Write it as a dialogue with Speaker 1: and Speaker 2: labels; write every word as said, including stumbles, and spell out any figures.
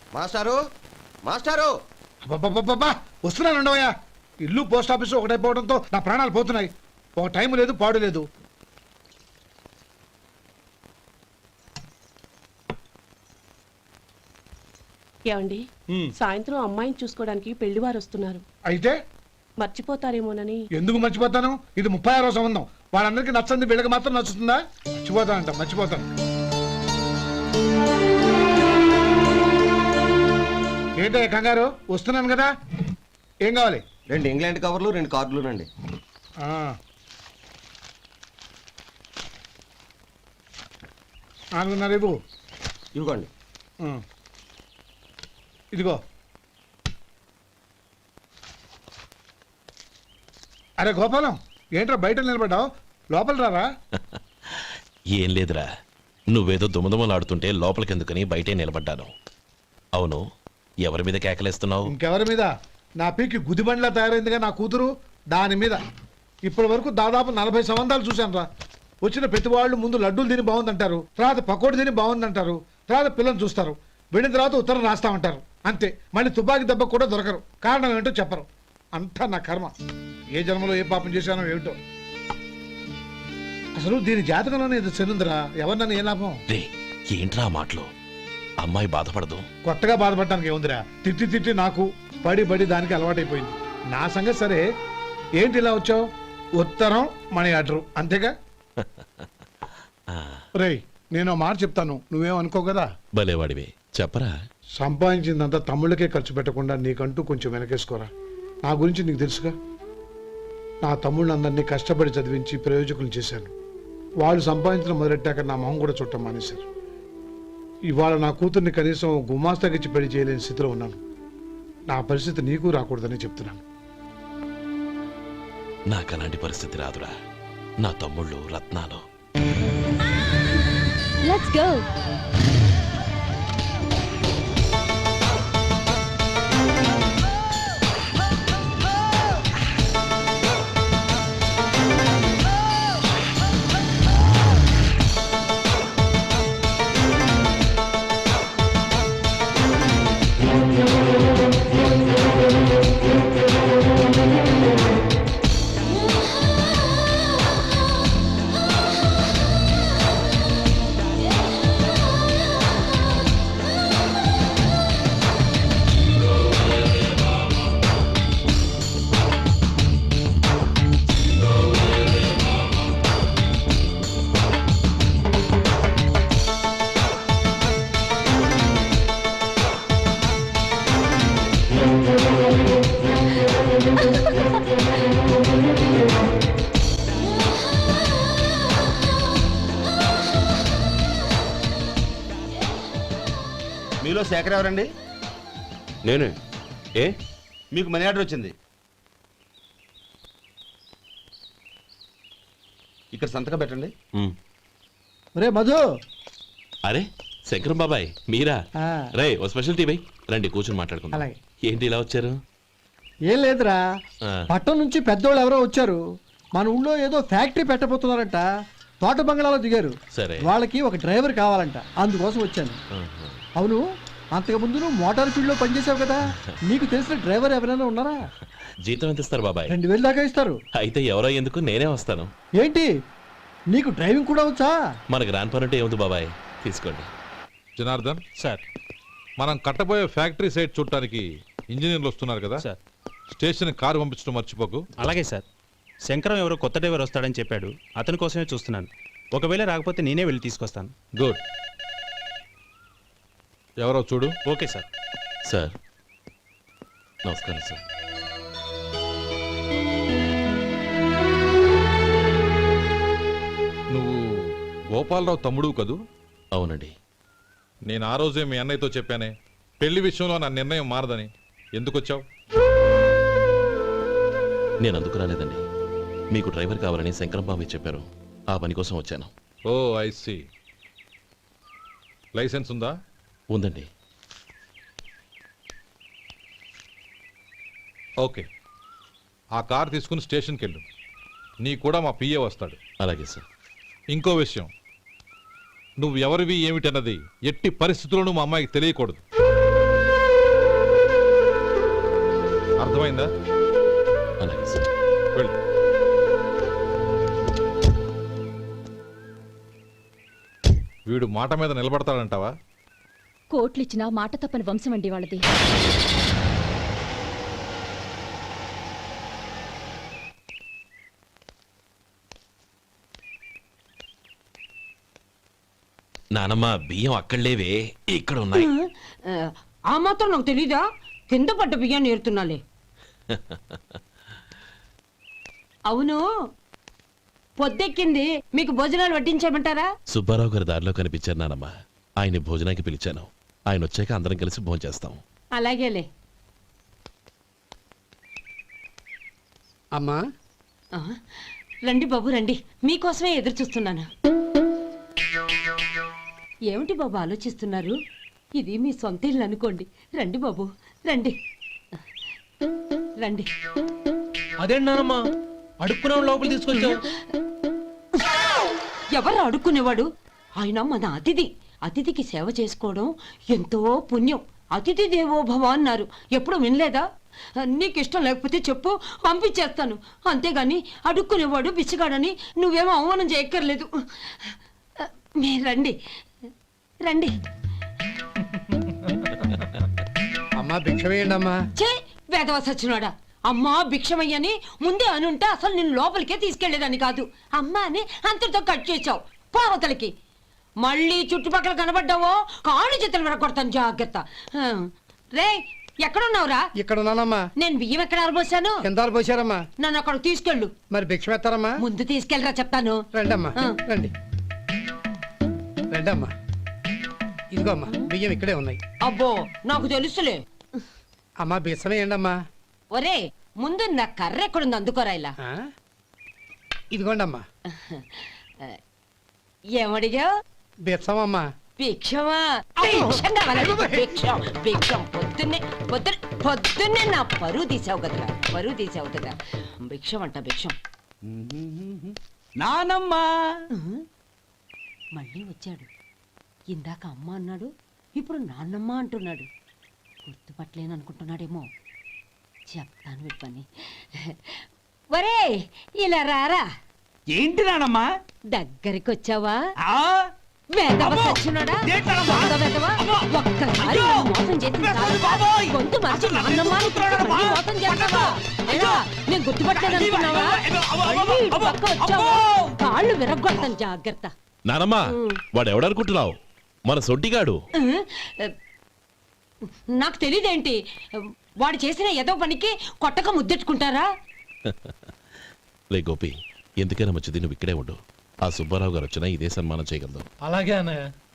Speaker 1: మాస్టారు మాస్టారు
Speaker 2: అబ్బబ్బబ్బబ్బా! వస్తున్నాను ఉండవయ్యా. ఇల్లు పోస్ట్ ఆఫీసు ఒకటైపోవడంతో నా ప్రాణాలు పోతున్నాయి. ఒక టైం లేదు, పాడు లేదు.
Speaker 3: ఏమండి, సాయంత్రం అమ్మాయిని చూసుకోవడానికి పెళ్లివారు వస్తున్నారు.
Speaker 2: అయితే
Speaker 3: మర్చిపోతారేమోనని.
Speaker 2: ఎందుకు మర్చిపోతాను? ఇది ముప్పై ఆరో సంబంధం. వాళ్ళందరికీ నచ్చంది వీళ్ళకి మాత్రం నచ్చుతుందా? మర్చిపోతానంట, మర్చిపోతాను. ఏంటో కంగారు? వస్తున్నాను కదా. ఏం కావాలి?
Speaker 1: రెండు ఇంగ్లాండ్ కవర్లు, రెండు కార్డులు రండి.
Speaker 2: నాలుగున్నర ఇవ్వు.
Speaker 1: ఇవ్వండి.
Speaker 2: ఇదిగో. అరే గోపాలం, ఏంట్రా బయట నిలబడ్డావు? లోపల రారా.
Speaker 4: ఏం లేదురా, నువ్వేదో దుమదుమలాడుతుంటే లోపలికెందుకని బయటే నిలబడ్డాను. అవును, ఎవరి మీద కేకలేస్తున్నావు?
Speaker 2: ఇంకెవరి మీద? నా పీకి గుదిబండ్లా తయారైందిగా నా కూతురు, దాని మీద. ఇప్పటి వరకు దాదాపు నలభై సంవత్సరాలు చూశాను రా. వచ్చిన ప్రతి వాళ్ళు ముందు లడ్డూలు తిని బాగుందంటారు, తర్వాత పకోడి తిని బాగుందంటారు, తర్వాత పిల్లలు చూస్తారు, వెళ్ళిన తర్వాత ఉత్తరం రాస్తామంటారు. అంతే. మళ్ళీ తుపాకీ దెబ్బ కూడా దొరకరు. కారణం ఏంటో చెప్పరు. అంతా నా కర్మ. ఏ జన్మలో ఏ పాపం చేశానో ఏమిటో. అసలు దీని జాతకంలోనే ఇది చెల్లుందిరా. ఎవరినన్నా ఏ లాభం?
Speaker 4: ఏంట్రా మాటలు? అమ్మాయి బాధపడదు.
Speaker 2: కొత్తగా బాధపడటానికి ఏముందిరా? తిట్టి తిట్టి నాకు పడి పడి దానికి అలవాటైపోయింది. నా సంగతి సరే, ఏంటి ఇలా వచ్చావు? ఉత్తరం మనీ ఆర్డర్ అంతేగా. రేయ్, నేను మాట చెప్తాను, నువ్వేం అనుకో కదా.
Speaker 4: భలేవాడివే, చెప్పరా.
Speaker 2: సంపాదించిందంతా తమ్ముళ్ళకే ఖర్చు పెట్టకుండా నీకంటూ కొంచెం వెనకేసుకోరా. నా గురించి నీకు తెలుసుగా. నా తమ్ముళ్ళందరినీ కష్టపడి చదివించి ప్రయోజకులు చేశాను. వాళ్ళు సంపాదించడం మొదలెట్టాక నా మొహం కూడా చుట్టం మానేశారు. ఇవాళ నా కూతుర్ని కనీసం గుమాస్తాకిచ్చి పెళ్లి చేయలేని స్థితిలో ఉన్నాను. నా పరిస్థితి నీకు రాకూడదని చెప్తున్నాను.
Speaker 4: నాకు అలాంటి పరిస్థితి రాదురా. నా తమ్ముళ్ళు రత్నాలు.
Speaker 5: Let's go.
Speaker 1: మీలో శేఖర్ ఎవరండి?
Speaker 4: నేనే. ఏ?
Speaker 1: మీకు మనీ ఆర్డర్ వచ్చింది. ఇక్కడ సంతకం పెట్టండి.
Speaker 2: రే మధు.
Speaker 4: అరే శంకరం బాబాయ్, మీరా? రే, ఓ స్పెషల్ టీ బై. రండి కూర్చొని మాట్లాడుకుందాం. ఏంటి ఇలా వచ్చారు?
Speaker 6: ఏం లేదురా, పట్టణం నుంచి పెద్దోళ్ళు ఎవరో వచ్చారు. మన ఊళ్ళో ఏదో ఫ్యాక్టరీ పెట్టబోతున్నారంట. తోట బంగ్లాలో దిగారు.
Speaker 4: సరే,
Speaker 6: వాళ్ళకి ఒక డ్రైవర్ కావాలంట, అందుకోసం వచ్చాను. అవును, అంతకు ముందు నువ్వు మోటార్ ఫీల్డ్ లో పనిచేసావు కదా, నీకు తెలిసిన డ్రైవర్ ఎవరైనా ఉన్నారా?
Speaker 4: జీతం ఎంత ఇస్తారు బాబాయ్?
Speaker 6: రెండు వేలు దాకా ఇస్తారు.
Speaker 4: అయితే ఎవరో ఎందుకు, నేనే వస్తాను.
Speaker 6: ఏంటి, నీకు డ్రైవింగ్ కూడా వచ్చా?
Speaker 4: మనకు రాని పని అంటే ఏముంది బాబాయ్, తీసుకోండి.
Speaker 7: జనార్దన్
Speaker 4: సార్,
Speaker 7: మనం కట్టబోయే ఫ్యాక్టరీ సైట్ చూడటానికి ఇంజనీర్లు వస్తున్నారు కదా సార్. స్టేషన్ కారు పంపించడం మర్చిపోకు.
Speaker 8: అలాగే సార్. శంకరం ఎవరో కొత్త డ్రైవర్ వస్తాడని చెప్పాడు, అతని కోసమే చూస్తున్నాను. ఒకవేళ రాకపోతే నేనే వెళ్ళి తీసుకొస్తాను.
Speaker 7: గుడ్. ఎవరో చూడు.
Speaker 8: Okay sir.
Speaker 4: సార్ నమస్కారం సార్.
Speaker 7: నువ్వు గోపాలరావు తమ్ముడు కదూ?
Speaker 4: అవునండి.
Speaker 7: నేను ఆ రోజే మీ అన్నయ్యతో చెప్పానే, పెళ్లి విషయంలో నా నిర్ణయం మారదని. ఎందుకు వచ్చావు?
Speaker 4: నేను అందుకు రాలేదండి. మీకు డ్రైవర్ కావాలని శంకరం బాబు చెప్పారు, ఆ పని కోసం వచ్చాను.
Speaker 7: ఓ ఐ సీ. లైసెన్స్ ఉందా?
Speaker 4: ఉందండి.
Speaker 7: ఓకే, ఆ కార్ తీసుకుని స్టేషన్కి వెళ్ళు. నీ కూడా మా పిఏ వస్తాడు.
Speaker 4: అలాగే సార్.
Speaker 7: ఇంకో విషయం, నువ్వు ఎవరివి ఏమిటన్నది ఎట్టి పరిస్థితుల్లోనూ మా అమ్మాయికి తెలియకూడదు. అర్థమైందా?
Speaker 4: అలాగే సార్.
Speaker 7: వెళ్ళు. వీడు మాట మీద నిలబడతాడంటావా?
Speaker 5: కోట్లిచ్చినా మాట తప్పని వంశం అండి వాళ్ళది.
Speaker 4: నానమ్మ బియ్యం అక్కడ లేవే, ఇక్కడ ఉన్నాయి.
Speaker 9: ఆ మాత్రం నాకు తెలీదా? కింద పడ్డ బియ్యాన్ని ఏరుతున్నాలే. అవును, పొద్దెక్కింది, మీకు భోజనాలు వడ్డించేయమంటారా?
Speaker 4: సుబ్బారావు గారి దారిలో కనిపించారు నానమ్మ. ఆయన భోజనానికి పిలిచాను. ఆయన వచ్చాక అందరం కలిసి భోజనం చేస్తాం.
Speaker 9: అలాగేలే.
Speaker 6: అమ్మా
Speaker 9: ఆ, రండి బాబు రండి, మీకోసమే ఎదురు చూస్తున్నాను. ఏమిటి బాబు ఆలోచిస్తున్నారు? ఇది మీ సొంత ఇల్లు అనుకోండి. రండి బాబు రండి రండి.
Speaker 6: అదేంటమ్మా అడుక్కునే లోపల తీసుకొచ్చావు?
Speaker 9: ఎవరు అడుక్కునేవాడు? ఆయన మన అతిథి. అతిథికి సేవ చేసుకోవడం ఎంతో పుణ్యం. అతిథి దేవో భవ అన్నారు, ఎప్పుడు వినలేదా? నీకు ఇష్టం లేకపోతే చెప్పు, పంపించేస్తాను. అంతేగాని అడుక్కునేవాడు బిచ్చగాడని నువ్వేమో అవమానం చేయక్కర్లేదు. మీరు రండి రండి.
Speaker 6: అమ్మా భిక్ష వేయండి అమ్మా.
Speaker 9: చే వేదవ సచ్చినాడా, అమ్మా భిక్షమయ్యని ముందే అనుంటే అసలు నేను లోపలికే తీసుకెళ్లేదని కాదు. అమ్మా అని అంతటితో కట్ చేసావు. పావతలకి మళ్ళీ చుట్టుపక్కల కనబడ్డావో కాళ్ళు చేతులు విరగొడతాను, జాగ్రత్త. ఆ, రే ఎక్కడున్నావురా?
Speaker 6: ఇక్కడ ఉన్నానమ్మా.
Speaker 9: నేను బియ్యం ఎక్కడ ఆరబోసాను?
Speaker 6: ఎంత పోసారమ్మా?
Speaker 9: నన్ను అక్కడ తీసుకెళ్ళు.
Speaker 6: మరి భిక్ష పెడతారమ్మా?
Speaker 9: ముందు తీసుకెళ్ళరా చెప్తాను.
Speaker 6: రండమ్మా
Speaker 9: ఆ.
Speaker 6: రండి రండమ్మా. ఇదిగో అమ్మా బియ్యం ఇక్కడే ఉన్నాయి.
Speaker 9: అబ్బో నాకు తెలుసులే.
Speaker 6: అమ్మా బిచ్చం వేయండి అమ్మా.
Speaker 9: ఒరే ముందు నా కర్ర ఎక్కడుంది, అందుకోరా ఇలా.
Speaker 6: ఆ? ఇదిగోండి అమ్మా.
Speaker 9: ఏమడిగా?
Speaker 6: బిచ్చం అమ్మా.
Speaker 9: భిక్షమా? భిక్షం కావాలండి, భిక్షం భిక్షం. పొద్దున్నే పొద్దున్న పొద్దున్నే నా పరువు తీసావు కదరా, పరువు తీసావు కదా. భిక్షం అంట భిక్షం.
Speaker 6: నానమ్మా.
Speaker 9: మళ్ళీ వచ్చాడు. ఇందాక అమ్మ అన్నాడు, ఇప్పుడు నాన్నమ్మ అంటున్నాడు. గుర్తుపట్టలేననుకుంటున్నాడేమో. చెప్తాను వీడి పని. ఒరే ఇలా రారా.
Speaker 6: ఏంటి నానమ్మా?
Speaker 9: దగ్గరికి వచ్చావా? వేదవ సచ్చినోడా, దొంగ వేదవ. ఒక్కసారి నన్ను మోసం చేసి చాలు. గొంతు మార్చి నాన్నమ్మ అని మళ్ళీ మోసం చేస్తావా? ఎలా? నేను గుర్తుపట్టలేదనుకున్నావా? మళ్ళీ ఇటు పక్క వచ్చావా? కాళ్ళు విరగ్గొడతాను, జాగ్రత్త.
Speaker 4: నానమ్మ వాడు ఎవడనుకుంటున్నావు? మన సొంటిగాడు.
Speaker 9: నాకు తెలియదేంటి? వాడు చేసిన ఏదో పనికి కొట్టక ముద్దెట్టుకుంటారా?
Speaker 4: లే గోపి, ఎందుకైనా మంచిది నువ్వు ఇక్కడే ఉండు. ఆ సుబ్బారావు గారు వచ్చినా ఇదే సన్మానం చేయగలదు.
Speaker 6: అలాగే అన్నయ్య.